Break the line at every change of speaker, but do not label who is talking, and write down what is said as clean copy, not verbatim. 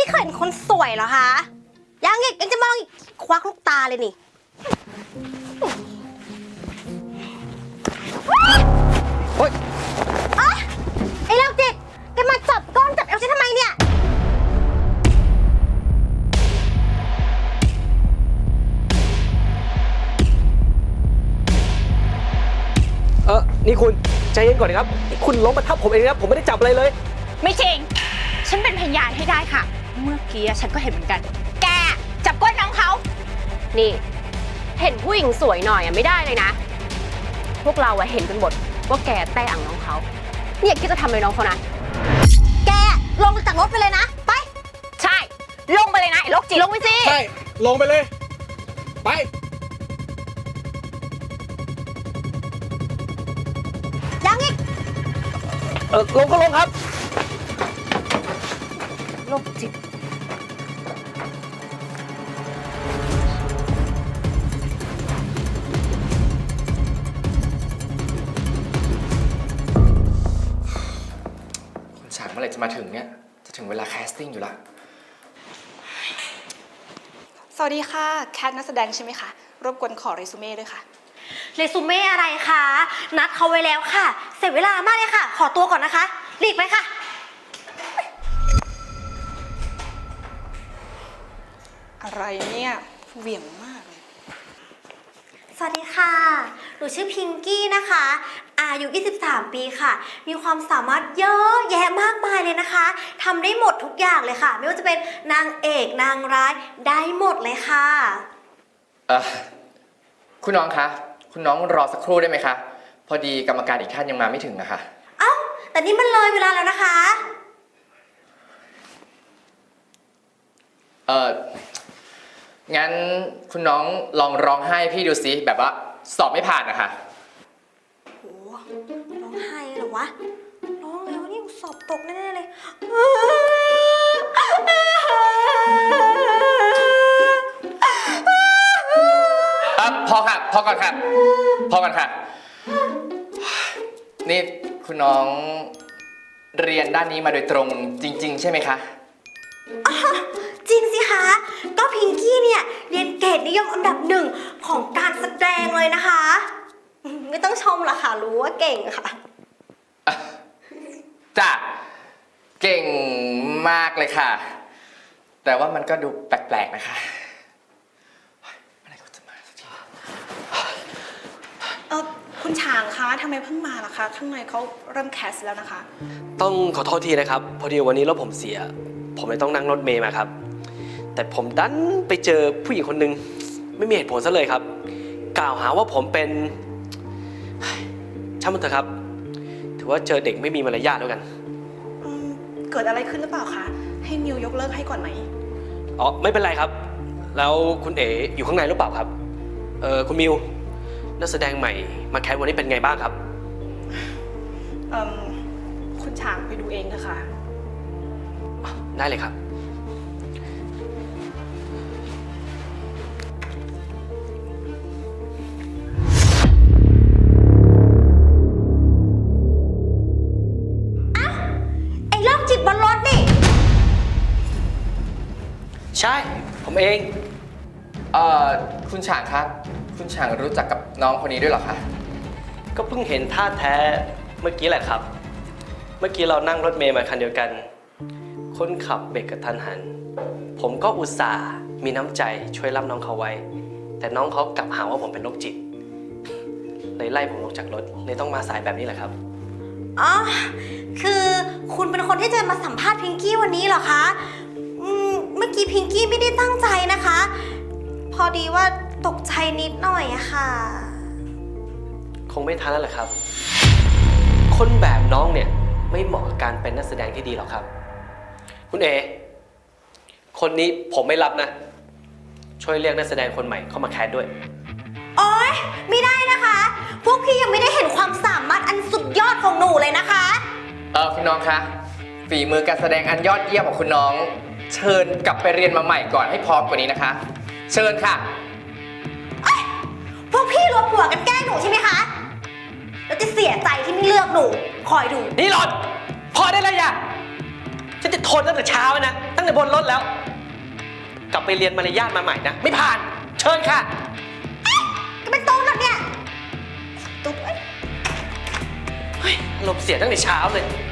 เคยเห็นคนสวยเหรอคะยังอีกยังจะมองอีกควักลูกตาเลยนี่
โอ๊ย
ไอ้โรคจิตแกมาจับก้นจับเอวฉันทำไมเนี่ย
นี่คุณใจเย็นก่อนนะครับคุณล้มมาทับผมเองนะครับผมไม่ได้จับอะไรเลย
ไม่จริงฉันเป็นพยานให้ได้ค่ะเมื่อกี้ฉันก็เห็นเหมือนกันแกจับก้นน้องเขา
นี่เห็นผู้หญิงสวยหน่อยไม่ได้เลยนะพวกเราเห็นกันหมดว่าแกแต้อ่างน้องเขาเนี่ยคิดจะทำอะไรน้องเขานะ
แกลงจากรถไปเลยนะไป
ใช่ลงไปเลยนะไอ้โรคจิต
ลงไปสิ
ใช่ลงไปเลยไป
ยังอีก
ลงก็ลงครับ
โรคจิต
คุณฉางเมื่อไหร่จะมาถึงเนี่ยจะถึงเวลาแคสติ้งอยู่ละ
สวัสดีค่ะแคทนักแสดงใช่ไหมคะรบกวนขอเรซูเม่ด้วยค่ะ
เรซูเม่อะไรคะนัดเขาไว้แล้วค่ะเสียเวลามากเลยค่ะขอตัวก่อนนะคะรีบไปค่ะ
อะไรเนี่ยเหวี่ยงมากเลย
สวัสดีค่ะหนูชื่อพิงกี้นะคะอายุ23ปีค่ะมีความสามารถเยอะแยะมากมายเลยนะคะทำได้หมดทุกอย่างเลยค่ะไม่ว่าจะเป็นนางเอกนางร้ายได้หมดเลยค่ะ
คุณน้องคะคุณน้องรอสักครู่ได้ไหมคะพอดีกรรมการอีกท่านยังมาไม่ถึงนะคะ
เอ้าแต่นี่มันเลยเวลาแล้วนะคะ
งั้นคุณน้องลองร้องไห้พี่ดูสิแบบว่าสอบไม่ผ่านนะคะ
โหร้องไห้เหรอวะร้องแล้วนี่สอบตกแน่ๆเลย
พอค่ะพอก่อนค่ะพอก่อนค่ะนี่คุณน้องเรียนด้านนี้มาโดยตรงจริงๆใช่ไหมคะ
จริงสิคะก็พิงกี้เนี่ยเรียนเกรดนิยมอันดับ1ของการแสดงเลยนะคะไม่ต้องชมหรอกค่ะรู้ว่าเก่งค่ะ
จ้ะเก่งมากเลยค่ะแต่ว่ามันก็ดูแปลกๆนะคะอะไรก็จะมาสักที
คุณฉางคะทำไมเพิ่งมาล่ะคะข้างในเขาเริ่มแคสแล้วนะคะ
ต้องขอโทษทีนะครับพอดีวันนี้รถผมเสียผมเลยต้องนั่งรถเมล์มาครับแต่ผมดันไปเจอผู้หญิงคนหนึ่งไม่มีเหตุผลซะเลยครับกล่าวหาว่าผมเป็นช่างมันเถอะครับถือว่าเจอเด็กไม่มีมารยาทแล้วกัน
เกิดอะไรขึ้นหรือเปล่าคะให้มิวยกเลิกให้ก่อนไหม
อ๋อไม่เป็นไรครับแล้วคุณเอ๋อยู่ข้างในหรือเปล่าครับคุณมิวนักแสดงใหม่มาแคสวันนี้เป็นไงบ้างครับ
คุณฉางไปดูเองนะคะ
ได้เลยครับ
ไอ้โรคจิตบนรถนี่
ใช่ผมเอง
คุณฉางครับคุณฉางรู้จักกับน้องคนนี้ด้วยเหรอคะ
ก็เพิ่งเห็นท่าแท้เมื่อกี้แหละครับเมื่อกี้เรานั่งรถเมล์มาคันเดียวกันคนขับเบรกกระทันหันผมก็อุตส่าห์มีน้ำใจช่วยรับน้องเขาไว้แต่น้องเขากลับหาว่าผมเป็นโรคจิตเลยไล่ผมลงจากรถเลยต้องมาสายแบบนี้แหละครับ
อ๋อคือคุณเป็นคนที่จะมาสัมภาษณ์พิงกี้วันนี้เหรอคะเมื่อกี้พิงกี้ไม่ได้ตั้งใจนะคะพอดีว่าตกใจนิดหน่อยอะค่ะ
คงไม่ทันแล้วแหละครับคนแบบน้องเนี่ยไม่เหมาะกับการเป็นนักแสดงที่ดีหรอกครับคุณเอคนนี้ผมไม่รับนะช่วยเรียกนักแสดงคนใหม่เข้ามาแคสด้วย
โอ๊ยไม่ได้นะคะพวกพี่ยังไม่ได้เห็นความสามารถอันสุดยอดของหนูเลยนะคะ
คุณน้องคะฝีมือการแสดงอันยอดเยี่ยมของคุณน้องเชิญกลับไปเรียนมาใหม่ก่อนให้พร้อมกว่านี้นะคะเชิญค่ะ
พวกพี่รวมหัวกันแกล้งหนูใช่ไหมคะแล้วจะเสียใจที่ไม่เลือกหนูคอยดู
นี่หลอดพอได้แล้วอย่าฉันจะทนตั้งแต่เช้านะ ตั้งแต่บนรถแล้ว กลับไปเรียนมารยาทมาใหม่นะ ไม่ผ่าน เชิญค่ะ
ก็เป็นตุ๊กแล้วเนี่ยตุ๊ก
เฮ้ยอารมณ์เสียตั้งแต่เช้าเลย